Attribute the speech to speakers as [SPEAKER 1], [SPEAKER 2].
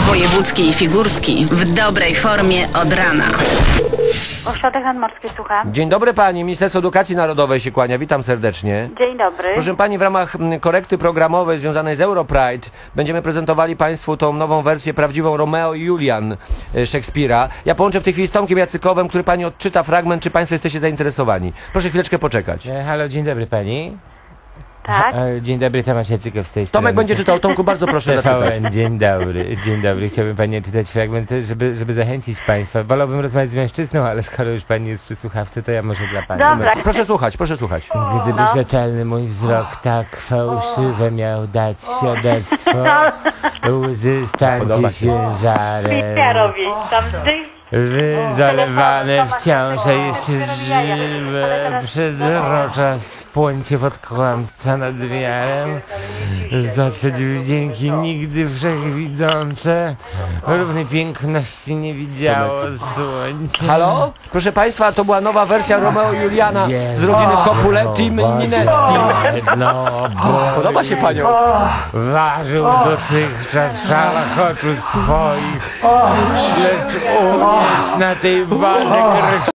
[SPEAKER 1] Wojewódzki i Figurski w dobrej formie od rana.
[SPEAKER 2] Ośrodek Nadmorski, słucham.
[SPEAKER 3] Dzień dobry pani, Ministerstwo Edukacji Narodowej się kłania, witam serdecznie.
[SPEAKER 2] Dzień dobry.
[SPEAKER 3] Proszę pani, w ramach korekty programowej związanej z Europride będziemy prezentowali państwu tą nową wersję, prawdziwą Romeo i Julian Szekspira. Ja połączę w tej chwili z Tomkiem Jacykowem, który pani odczyta fragment, czy państwo jesteście zainteresowani. Proszę chwileczkę poczekać.
[SPEAKER 4] Halo, dzień dobry pani.
[SPEAKER 2] Tak?
[SPEAKER 4] Dzień dobry, Tomasz Jacykow z tej strony.
[SPEAKER 3] Tomek będzie czytał. Tomku, bardzo proszę zaczytać.
[SPEAKER 4] Dzień dobry, dzień dobry. Chciałbym pani czytać fragment, żeby zachęcić państwa. Wolałbym rozmawiać z mężczyzną, ale skoro już pani jest przy słuchawce, to ja może dla pani.
[SPEAKER 2] Dobra.
[SPEAKER 3] Proszę słuchać, proszę słuchać.
[SPEAKER 4] Gdyby rzetelny mój wzrok tak fałszywe miał dać świadectwo, łzy stańcie się żarem.
[SPEAKER 2] Ja robię. Tam zdejść.
[SPEAKER 4] Zalewane wciąż, a jeszcze żywe, przezrocza spłońcie pod kłamstwa nad wiarem, zatrzeć wdzięki nigdy wszechwidzące, równej piękności nie widziało słońce.
[SPEAKER 3] Halo? Proszę państwa, to była nowa wersja Romeo i Juliana z rodziny Copuletti i Minetti. Podoba się panią?
[SPEAKER 4] Ważył dotychczas szalach oczu swoich, lecz umiesz na tej wadze